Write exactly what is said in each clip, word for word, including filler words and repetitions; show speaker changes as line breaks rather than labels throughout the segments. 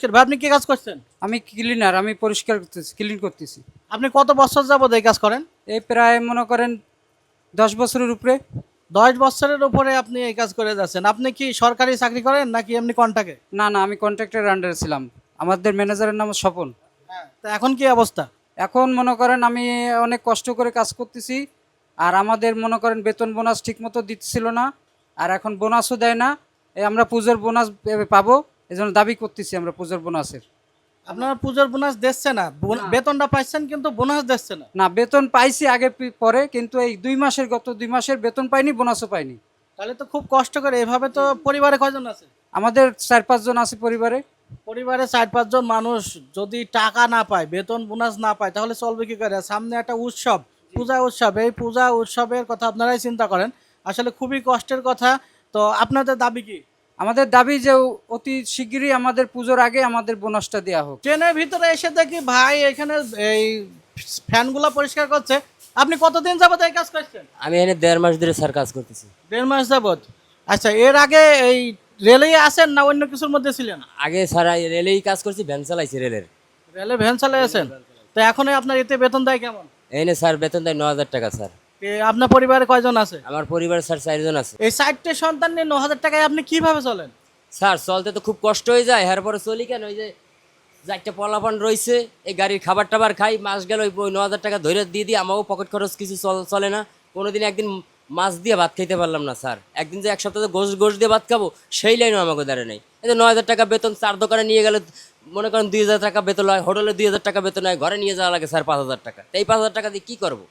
ভাই আপনি কি কাজ করছেন?
আমি ক্লিনার, আমি পরিষ্কার করতেছি, ক্লিন করতেছি।
আপনি কত বছর যাবত এই কাজ করেন?
এই প্রায় মনে করেন দশ বছরের উপরে।
দশ বছরের উপরে আপনি এই কাজ করে যাচ্ছেন। আপনি কি সরকারি চাকরি করেন নাকি এমনি কন্ট্রাক্টে?
না না, আমি কন্ট্রাক্টরের আন্ডারে ছিলাম। আমাদের ম্যানেজারের নাম স্বপন।
হ্যাঁ। তো এখন কি অবস্থা?
এখন মনে করেন আমি অনেক কষ্ট করে কাজ করতেছি, আর আমাদের মনে করেন বেতন বোনাস ঠিক মতো দিচ্ছিল না, আর এখন বোনাসও দেয় না। এই আমরা পুজোর বোনাস পাবো, এই জন্য দাবি করতেছি আমরা পুজোর বোনাসের।
আপনারা পুজোর বোনাস দিচ্ছে না, বোন-
না।
বেতনটা পাচ্ছেন কিন্তু বোনাস দিচ্ছে না।
না, বেতন পাইছি আগে পি- পরে, কিন্তু এই দুই মাসের গত দুই মাসের বেতন পাইনি, বোনাসও পাইনি।
তাহলে তো খুব কষ্ট করে। এভাবে তো পরিবারে কয়জন আছে?
আমাদের চার পাঁচজন আছে পরিবারে।
পরিবারে চার পাঁচজন মানুষ যদি টাকা না পায়, বেতন বোনাস না পায়, তাহলে চলবে কি করে? সামনে একটা উৎসব, পূজা উৎসব, এই পূজা উৎসবের কথা আপনারাই চিন্তা করেন। আসলে খুবই কষ্টের কথা। তো আপনাদের দাবি কি?
আমাদের দাবি যে অতি শিগগিরই আমাদের পুজোর আগে আমাদের বোনাসটা দেওয়া হোক।
ট্রেনের ভিতরে এসে দেখি ভাই এখানে এই ফ্যানগুলো পরিষ্কার করছে। আপনি কতদিন যাবত এই কাজ করছেন?
আমি এখানে দেড় মাস ধরে স্যার কাজ করতেছি।
দেড় মাস যাবত। আচ্ছা, এর আগে এই রেলেই আছেন না অন্য কিছুর মধ্যে ছিলেন?
আগে স্যার রেলেই কাজ করছি, ভ্যান চালাইছি রেলের।
রেলে ভ্যান চালিয়ে আছেন। তো এখন আপনার এতে বেতন দেয় কেমন?
এখানে স্যার বেতন দেয় ন হাজার টাকা স্যার।
এ, আপনার পরিবারে কয়জন আছে?
আমার পরিবারের স্যার চারজন আছে।
এই চারটে সন্তান নিয়ে ন হাজার টাকায় আপনি কিভাবে চলেন?
স্যার চলতে তো খুব কষ্ট হয়ে যায়, এর পরে চলি কেন, ওই যে চারটে পলাপান রয়েছে, এই গাড়ির খাবার টাবার খাই, মাস গেল ওই ন হাজার টাকা ধরে দিয়ে দিই, আমাকেও পকেট খরচ কিছু চল- চলে না। কোনোদিন একদিন মাছ দিয়ে ভাত খাইতে পারলাম না স্যার। একদিন যে এক সপ্তাহে গোশ গোশ দিয়ে ভাত খাবো, সেই লাইনও আমাকে দাঁড়ে নেই। এই যে ন হাজার টাকা বেতন, চার দোকানে নিয়ে গেলে মনে করেন দুই হাজার টাকা বেতন হয়, হোটেলে দুই হাজার টাকা বেতন হয়, ঘরে নিয়ে যাওয়া লাগে স্যার পাঁচ হাজার টাকা। তো এই পাঁচ হাজার টাকা দিয়ে কী করবো?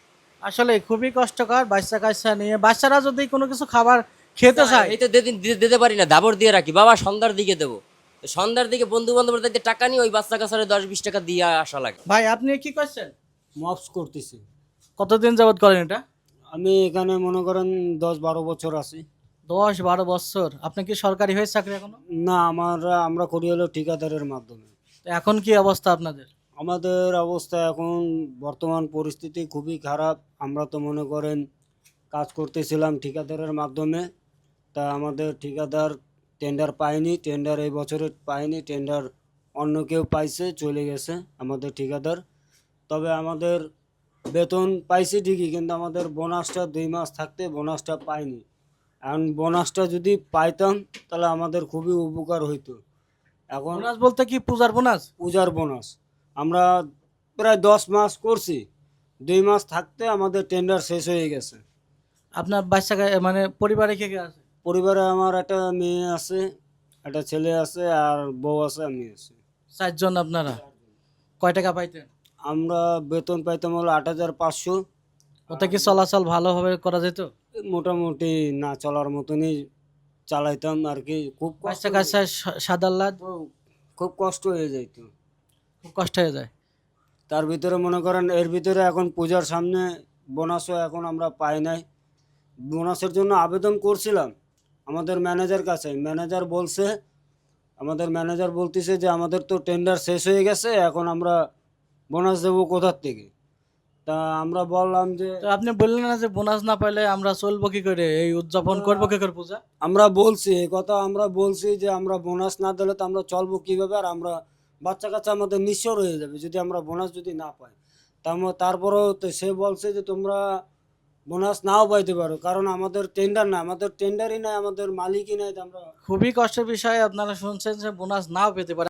আসলে খুবই কষ্টকর। বাচ্চা কাচ্চা নিয়ে, বাচ্চারা যদি কোনো কিছু খাবার খেতে চায়।
এই তো দিতে দিতে পারি না, দাবর দিয়ে রাখি, বাবা সন্ধ্যার দিকে দেবো। তো সন্ধ্যার দিকে বন্ধু বান্ধবের দেখতে টাকা নিয়ে ওই বাচ্চা কাছারে দশ বিশ টাকা দিয়ে আসা লাগে।
ভাই আপনি কি করছেন?
মপস করতেছি।
কতদিন যাবত করেন এটা?
আমি এখানে মনে করেন দশ বারো বছর আছি।
দশ বারো বছর। আপনি কি সরকারি হয়ে চাকরি এখনো?
না, আমরা আমরা করি হলো ঠিকাদারের মাধ্যমে।
তো এখন কি অবস্থা আপনাদের?
আমাদের অবস্থা এখন বর্তমান পরিস্থিতি খুবই খারাপ। আমরা তো মনে করেন কাজ করতেছিলাম ঠিকাদারের মাধ্যমে, তা আমাদের ঠিকাদার টেন্ডার পায়নি, টেন্ডার এই বছরে পায়নি, টেন্ডার অন্য কেউ পাইছে, চলে গেছে আমাদের ঠিকাদার। তবে আমাদের বেতন পাইছি ঠিকই, কিন্তু আমাদের বোনাসটা দুই মাস থাকতে বোনাসটা পাইনি। এখন বোনাসটা যদি পাইতাম তাহলে আমাদের খুবই উপকার হইতো। এখন
বোনাস বলতে কি পূজার বোনাস?
পূজার বোনাস আমরা প্রায় দশ মাস করছি, দুই মাস থাকতে আমাদের টেন্ডার শেষ হয়ে গেছে।
আপনার বাচ্চা কা- মানে পরিবারে কে কে আছে?
পরিবারে আমার একটা মেয়ে আছে, একটা ছেলে আছে, আর বউ আছে, আমি আছি।
চারজন আপনারা। কয় টাকা পাইতেন?
আমরা বেতন পাইতাম হলো আট হাজার পাঁচশো।
ওতে কি চলাচল ভালোভাবে করা যেত?
মোটামুটি না চলার মতনই চালাইতাম আর কি। খুব কষ্ট
বাচ্চা কাচ্চা সাদার লাদ
খুব কষ্ট হয়ে যাইত।
খুব কষ্ট হয়ে যায়।
তার ভিতরে মনে করেন এর ভিতরে এখন পূজার সামনে বোনাসও এখন আমরা পাই নাই। বোনাসের জন্য আবেদন করছিলাম আমাদের ম্যানেজার কাছে। ম্যানেজার বলছে, আমাদের ম্যানেজার বলতেছে যে আমাদের তো টেন্ডার শেষ হয়ে গেছে, এখন আমরা বোনাস দেবো কোথার থেকে। তা আমরা বললাম যে
তো আপনি বললেন না যে বোনাস না পাইলে আমরা চলবো কি করে, এই উদযাপন করবো কি করে পূজা?
আমরা বলছি এই কথা, আমরা বলছি যে আমরা বোনাস না দিলে তো আমরা চলবো কীভাবে, আর আমরা বাচ্চা কাচ্চা আমাদের নিঃস্বর হয়ে যাবে যদি আমরা বোনাস যদি না পাই। তার- তারপরেও তো সে বলছে যে তোমরা বোনাস নাও পাইতে পারো, কারণ আমাদের টেন্ডার না, আমাদের টেন্ডারই নাই, আমাদের মালিকই নাই। তো আমরা
খুবই কষ্টের বিষয়। আপনারা শুনছেন যে বোনাস নাও পেতে পারে।